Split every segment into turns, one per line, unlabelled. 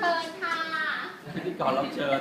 ชิญค่ะ
พิธีกรรับเชิญ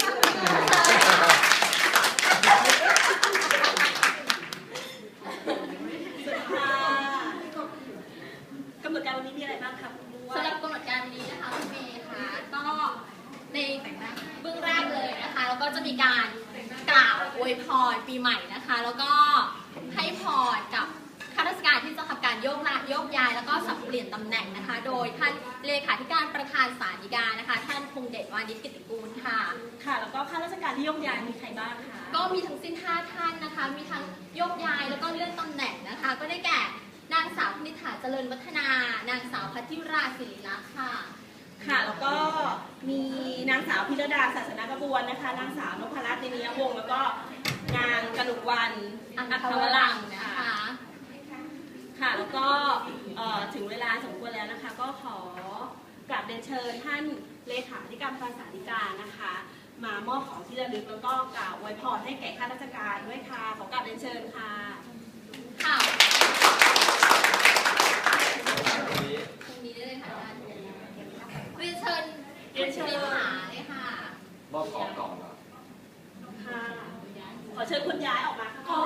กำหนดการวันนี้มีอะไรบ้างคะคุณบัว
สำหรับกำหนดการวันนี้นะคะคุณเมย์ค่ะก็ในเบื้องแรกเลยนะคะแล้วก็จะมีการกล่าวอวยพรปีใหม่นะคะแล้วก็ให้พรกับข้าราชการที่จะทำการโยกย้ายแล้วก็สับเปลี่ยนตำแหน่งนะคะโดยท่านเลขาธิการประธานศาลฎีกานะคะท่านพงษ์เดชวานิชกิตติกูลค่ะ
ค่ะแล้วก็ข้าราชการที่โยกย้ายมีใครบ้างคะ
ก็มีทั้งสิ้น5ท่านนะคะมีทั้งโยกย้ายแล้วก็เลื่อนตำแหน่งนะคะก็ได้แก่นางสาวนิษฐาเจริญวัฒนานางสาวพัทธิราศิริลักษณ์ค่ะ
ค่ะแล้วก็มีนางสาวพิรดาศาสนกระบวนนะคะนางสาวนพรัตน์ นินยวงศ์แล้วก็นางกนกวรรณอัครวรังค์นะคะค่ะแล้วก็ถึงเวลาสมควรแล้วนะคะก็ขอกราบเรียนเชิญท่านเลขาธิการประธานศาลฎีกานะคะมามอบของที่ระลึกแล้วก็กล่าวอวยพรให้แก่ข้าราชการด้วยค่ะขอกราบเรียนเชิญค่ะ
ค่ะตรงนี้ได้เลยค่ะเรียนเชิญหาเลยค่ะ
มอบของก่อน
ค่ะขอเชิญคุณย้ายออกมาค่ะ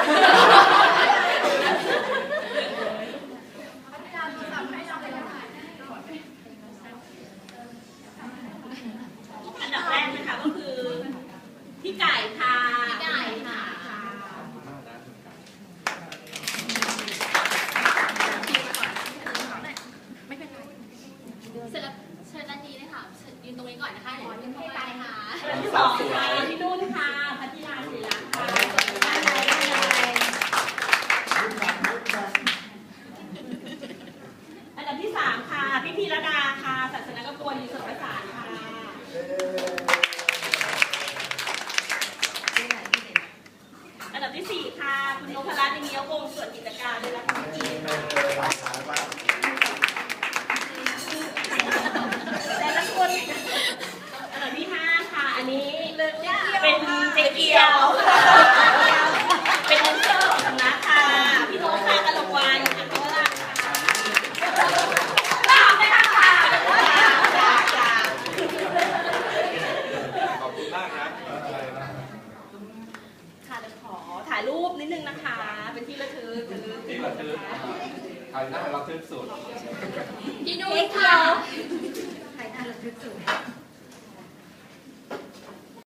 อันดับแรกนะคะก็คือพี่ไก่ค่ะ
พี่ไก่ค่ะเสร็จแล้วเชิญด้านนี้เลยค่ะยืนตรงนี้ก่อนนะคะเดี๋ยวยืนเข้าไปค่ะ
อันดับที่2ค่ะพี่นุ่นค่ะพัทธิราศิริลักษณ์ค่ะอันดับที่3ค่ะพี่พีรดาค่ะศาสนกระบวนอยู่สุทธิศาสตร์ค่ะอันดับที่4ค่ะคุณนพรัตน์ นินยวงศ์ส่วนกิจการและรัฐมนตรีค่ะแต่ละคนอันดับที่5ค่ะอันนี้เป็นเจ๊เกียวเป็นองค์เจ้าของสำนักค่ะพี่โน้ตค่ะกนกวรรณอัครวรังค์ค่ะตามไปค่ะ
ขอบคุณมากนะ
ค่ะเดี๋ยวขอถ่ายรูปนิดนึงนะคะเป็นที่ระลึก
ที่ระลึกถ่ายหน้าเราทึกสุด
พี่นุ้ยค่ะ
ถ่ายหน้าระลึกสุด